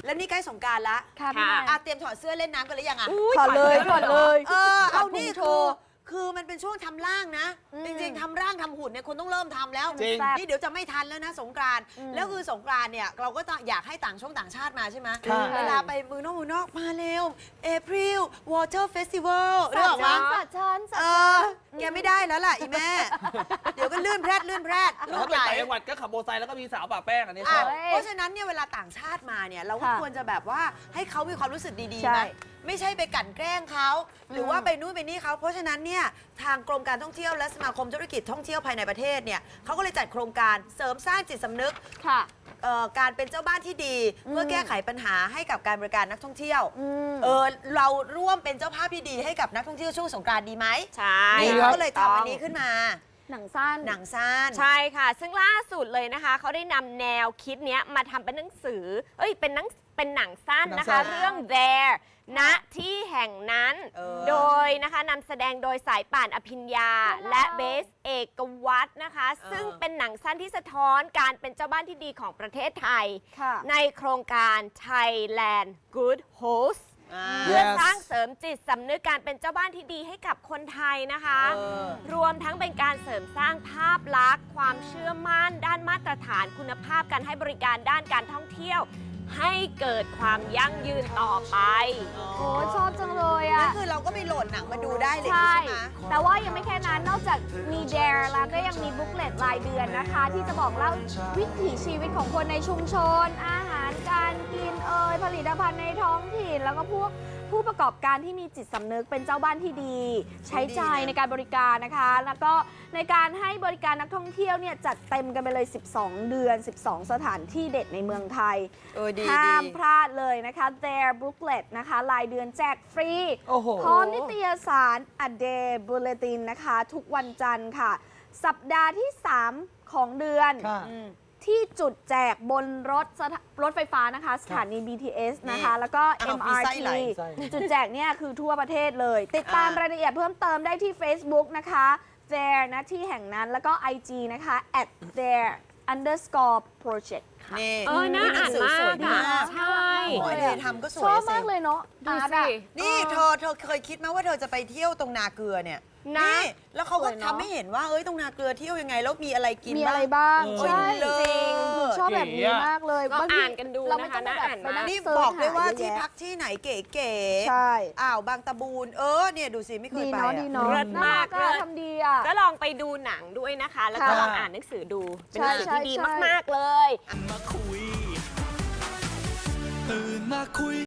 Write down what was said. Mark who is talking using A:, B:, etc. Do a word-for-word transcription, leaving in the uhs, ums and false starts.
A: แล้วนี่ใกล้สงกรานต์ละ
B: ค่ะพี่
A: อ่ะเตรียมถอดเสื้อเล่นน้ำกันหรือยังอ่ะ
B: ถอดเลยถอดเลย
A: เออเอานี่
B: โช
A: คือ
B: ว์
A: คือมันเป็นช่วงทำร่างนะ
B: อืม
A: จริงๆทำร่างทำหุ่นเนี่ยคุณต้องเริ่มทำแล้ว
C: จริง
A: นี่เดี๋ยวจะไม่ทันแล้วนะสงกรานต์
B: อืม
A: แล้วคือสงกรานต์เนี่ยเราก็ต้องอยากให้ต่างช่องต่างชาติมาใช่ไหม
C: ค่ะ
A: เวลาไปเมืองนอกเมืองนอกมาเร็ว April Water Festival เรื่อง
B: สั
A: มา
B: ตว์สัตว์ฉันสัต
A: เอ
B: ว์
A: อแกไม่ได้แล้วล่ะอีแม่ เดี๋ยวก็ลื่นแพรดลื่นแพรด
C: แล้ว
A: ลู
C: ถ้าก ไป
A: ไหล
C: ต่างจังหวัดก็ขับโมอเตอร์ไซค์แล้วก็มีสาวป่าแป้งอันนี้ช
A: อ่ะ
C: อบ
A: เพราะฉะนั้นเนี่ยเวลาต่างชาติมาเนี่ยเราก็
B: ค่ะ
A: ควรจะแบบว่าให้เขามีความรู้สึกดีๆ
B: ใช่
A: ไหมไม่ใช่ไปกลั่นแกล้งเขาหรือว่าไปนู่นไปนี่เขาเพราะฉะนั้นเนี่ยทางกรมการท่องเที่ยวและสมาคมธุรกิจท่องเที่ยวภายในประเทศเนี่ยเขาก็เลยจัดโครงการเสริมสร้างจิตสำนึก
B: ค่ะ
A: เอ่อการเป็นเจ้าบ้านที่ดี
B: อืม
A: เพื่อแก้ไขปัญหาให้กับการบริการนักท่องเที่ยว
B: อืม
A: เออเราร่วมเป็นเจ้าภาพที่ดีให้กับนักท่องเที่ยวช่วงสงกรานต์ดีไหม
D: ใช่
A: นี่
C: ครั
A: เขา
C: บ
A: ก็เลยทำอันนี้ขึ้นมา
B: หนังสั้น
A: หนังสั้น
D: ใช่ค่ะ ซึ่งล่าสุดเลยนะคะเขาได้นำแนวคิดเนี้ยมาทำเป็นหนังสือ เอ้ยเป็นหนังเป็นหนังสั้นนะคะ
C: หนังสั้น
D: เรื่อง There ณที่แห่งนั้น
A: เออ
D: โดยนะคะนำแสดงโดยสายป่านอภิญญา และเบสเอกวัตรนะคะ ซึ่งเป็นหนังสั้นที่สะท้อนการเป็นเจ้าบ้านที่ดีของประเทศไทย
B: ค่ะ
D: ในโครงการ Thailand Good Host
A: อ่า
D: เพื่อ
C: Yes
D: สร้างเสริมจิตสำนึกการเป็นเจ้าบ้านที่ดีให้กับคนไทยนะคะ
A: เออ
D: รวมทั้งเป็นการเสริมสร้างภาพลักษณ์ ความเชื่อมั่น ด้านมาตรฐานคุณภาพการให้บริการด้านการท่องเที่ยว ให้เกิดความยั่งยืนต่อไป
B: โอ้ชอบจังเลย
A: นั่
B: อ่ะ
A: นคือเราก็ไปโหลดหนังมาดูได้เลย
B: ใช่
A: ใช่ไหม
B: แต่ว่ายังไม่แค่นั้น นอกจากมี Dare แล้วก็ยังมีบุ๊กเลตรายเดือนนะคะ ที่จะบอกเล่าวิถีชีวิตของคนในชุมชน อาหารการกินเอ่ยผลิตภัณฑ์ในท้องถิ่น แล้วก็พวกผู้ประกอบการที่มีจิตสำนึกเป็นเจ้าบ้านที่ดี ใช้ใจในการบริการนะคะ แล้วก็ในการให้บริการนักท่องเที่ยวเนี่ยจัดเต็มกันไปเลย สิบสอง เดือน สิบสอง สถานที่เด็ดในเมืองไทย
A: เออดี
B: ห้าม
A: ดี
B: พลาดเลยนะคะ Their Booklet นะคะรายเดือนแจกฟรี
C: โอ้โห
B: พร้อมนิตยสาร A Day Bulletin นะคะ ทุกวันจันทร์ค่ะ สัปดาห์ที่ สาม ของเดือน
C: ค่ะ
A: อืม
B: ที่จุดแจกบนรถสถารถไฟฟ้านะคะ สถานี บี ที เอส นะคะ แล้วก็
A: อ้าว
B: เอ็ม
A: มี
B: อาร์
A: ไส้
B: ที
A: ไหล
C: ไส้
B: จุดแจกเนี่ยคือทั่วประเทศเลย ติดตาม
A: อ่าร
B: รายละเอียดเพิ่มเติมได้ที่ Facebook นะคะ There นะที่แห่งนั้นแล้วก็ ไอ จี นะคะ at there underscore project ค่ะ
A: นี่
D: เออน่าอ่านมาก
A: สวยดี
D: อ่ะ
A: มาก
D: ใช่
A: โอ้ยเธอทำก็สวย
B: ชอบ
A: สิ
B: มากเลยเนาะ
D: ดู
B: อาร์ต
D: สิ
B: อะ
A: นี่เธอเธอเคยคิดไหมว่าเธอจะไปเที่ยวตรงนาเกลือเนี่ย
D: นะ
A: นี่แล้วเขาก็
B: สวยเนอะ
A: ทำให้เห็นว่าเอ้ยตรงนาเกลือเที่ยวยังไงแล้วมีอะไรกิน
B: มีอะไรบ้าง
C: เออ
B: ใช่
A: เลิศ
B: จริงชอบแบบนี้มากเลย
D: ลอง
B: บางที
D: อ่านกันดู
B: เราไม่
D: นะคะ
B: ต้องไปแบบ
D: น่าอ่าน
B: ไป
D: มาก
B: นั่ง
A: นี่
B: เสิร์ช
A: บอกเลยว่า
B: ห
A: ที่
B: เยอะ
A: พักที่ไหนเก๋
B: ใช่
A: ๆอ่าวบางตะบูนเออเนี่ยดูสิไม่เคย
B: ดี
A: ไป
B: เนาะ
A: อะ
B: ดีเนาะ
D: เลิศมาก
B: น่รั
D: เลิศ
B: ทำดีอ่ะ
D: ก็ลองไปดูหนังด้วยนะคะ แล้วก็
B: ค่ะ
D: ลองอ่านหนังสือดู เป็นหนังสือ
B: ใช่
D: ที่ดี
B: ใช่
D: มาก ๆ เลย
E: มาคุย ตื่นมาคุย